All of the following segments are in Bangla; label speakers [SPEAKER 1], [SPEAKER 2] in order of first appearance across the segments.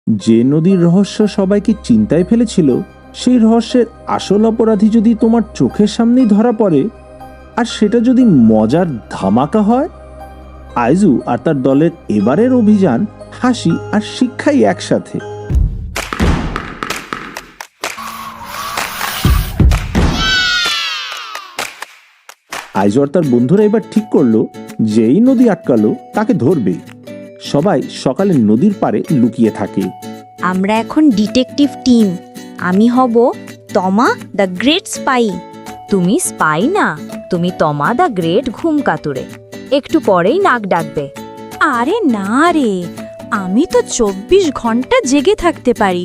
[SPEAKER 1] যে নদীর রহস্য সবাইকে চিন্তায় ফেলেছিল, সেই রহস্যের আসল অপরাধী যদি তোমার চোখের সামনেই ধরা পড়ে, আর সেটা যদি মজার ধামাকা হয়। আইজু আর তার দলের এবারের অভিযান হাসি আর শিক্ষাই একসাথে। আইজু আর তার বন্ধুরা এবার ঠিক করলো, যেই নদী আটকালো তাকে ধরবে। সবাই সকালে নদীর পাড়ে লুকিয়ে থাকে।
[SPEAKER 2] আমরা এখন ডিটেকটিভ টিম। আমি হব তমা দ্য গ্রেট স্পাই।
[SPEAKER 3] তুমি স্পাই না, তুমি তমা দা গ্রেট ঘুম কাতুরে। একটু পরেই নাক ডাকবে।
[SPEAKER 4] আরে না রে, আমি তো 24 ঘন্টা জেগে থাকতে পারি।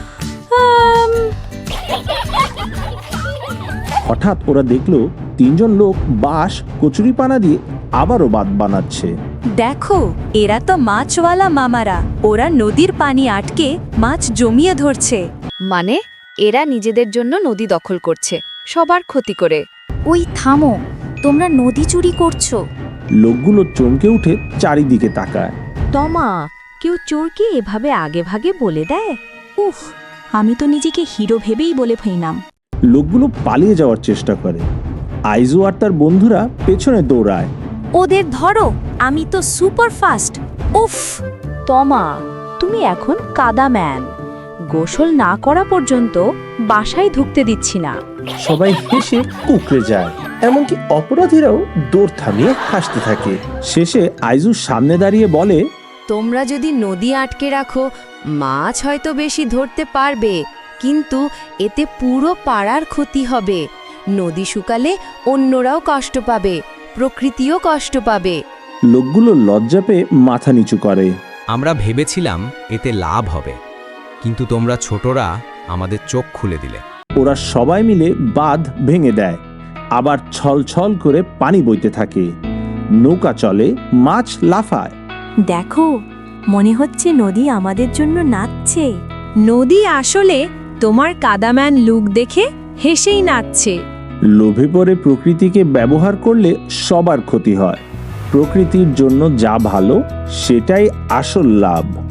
[SPEAKER 1] হঠাৎ ওরা দেখলো তিনজন লোক বাঁশ কচুরিপানা দিয়ে আবারও বাঁধ বানাচ্ছে।
[SPEAKER 4] দেখো, এরা তো মাছওয়ালা মামারা। ওরা নদীর পানি আটকে মাছ জমিয়ে ধরছে।
[SPEAKER 3] মানে এরা নিজেদের জন্য নদী দখল করছে, সবার ক্ষতি করে।
[SPEAKER 4] ওই থামো, তোমরা নদী চুরি করছো।
[SPEAKER 1] লোকগুলো চমকে উঠে চারিদিকে তাকায়।
[SPEAKER 3] তমা, কেউ চোরকে এভাবে আগে ভাগে বলে দেয়?
[SPEAKER 4] উফ, আমি তো নিজেকে হিরো ভেবেই বলে ফেললাম।
[SPEAKER 1] লোকগুলো পালিয়ে যাওয়ার চেষ্টা করে। আইজু আর তার বন্ধুরা পেছনে দৌড়ায়।
[SPEAKER 4] ওদের ধরো, আমি তো সুপার ফাস্ট। উফ,
[SPEAKER 3] তমা, তুমি এখন কাদা ম্যান। গোসল না করা পর্যন্ত বাসায় ঢুকতে দিচ্ছি না।
[SPEAKER 1] সবাই হেসে কুকড়ে যায়, এমনকি অপরাধীরাও দৌড় থামিয়ে হাসতে থাকে। শেষে আইজু সামনে দাঁড়িয়ে বলে,
[SPEAKER 5] তোমরা যদি নদী আটকে রাখো, মাছ হয়তো বেশি ধরতে পারবে, কিন্তু এতে পুরো পাড়ার ক্ষতি হবে। নদী শুকালে অন্যরাও কষ্ট পাবে, প্রকৃতিও কষ্ট পাবে।
[SPEAKER 1] লোকগুলো লজ্জা পেয়ে মাথা নিচু করে।
[SPEAKER 6] আমরা ভেবেছিলাম এতে লাভ হবে, কিন্তু তোমরা ছোটরা আমাদের চোখ খুলে দিলে।
[SPEAKER 1] ওরা সবাই মিলে বাঁধ ভেঙে দেয়। আবার ছলছল করে পানি বইতে থাকে, নৌকা চলে, মাছ লাফায়।
[SPEAKER 4] দেখো, মনে হচ্ছে নদী আমাদের জন্য নাচছে।
[SPEAKER 7] নদী আসলে তোমার কাদাম্যান লুক দেখে হেসেই নাচছে।
[SPEAKER 1] লোভে পড়ে প্রকৃতিকে ব্যবহার করলে সবার ক্ষতি হয়। প্রকৃতির জন্য যা ভালো সেটাই আসল লাভ।